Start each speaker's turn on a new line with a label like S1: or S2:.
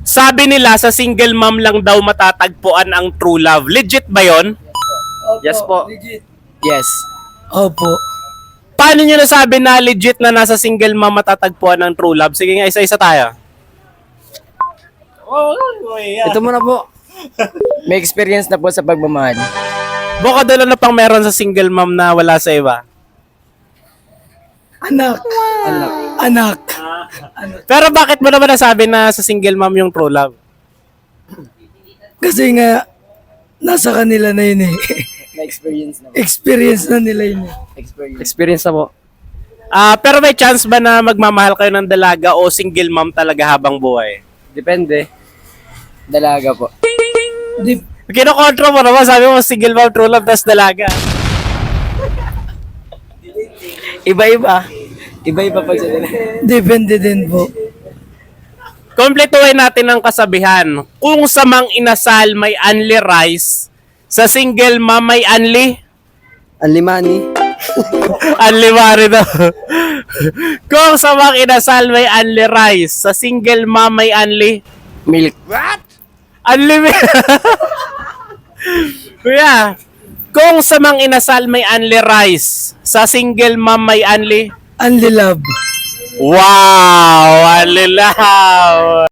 S1: Sabi nila sa single mom lang daw matatagpuan ang true love. Legit ba yon?
S2: Opo,
S3: Yes po.
S2: Legit.
S3: Yes.
S2: Opo.
S1: Paano nyo nasabi na legit na nasa single mom matatagpuan ang true love? Sige nga, isa-isa tayo.
S3: Ito muna po. May experience na po sa pagmamahal.
S1: Bukod doon na pang meron sa single mom na wala sa iba.
S2: Anak.
S3: Anak.
S2: Anak.
S1: Pero bakit mo naman nasabi na sa single mom yung true love?
S2: Kasi nga, nasa kanila na yun eh.
S3: Na-experience na po.
S2: Experience na nila yun eh.
S3: Experience na po.
S1: Pero may chance ba na magmamahal kayo ng dalaga o single mom talaga habang buhay?
S3: Depende. Dalaga po.
S2: Di,
S1: Kinokontra mo naman, sabi mo single mom, true love, tas dalaga.
S3: Iba-iba. Iba-iba pag sa dalaga.
S2: depende din po.
S1: Kompletuhin natin ang kasabihan. Kung sa mang inasal may unli rice, sa single mom may unli?
S3: Anlimani.
S1: Unli mari daw. Kung sa mang inasal may unli rice, sa single mom may unli?
S3: Milk.
S1: Unli Kuya, kung sa mang inasal may unli rice, sa single mom may unli?
S2: Unli love.
S1: Wow! Unli love!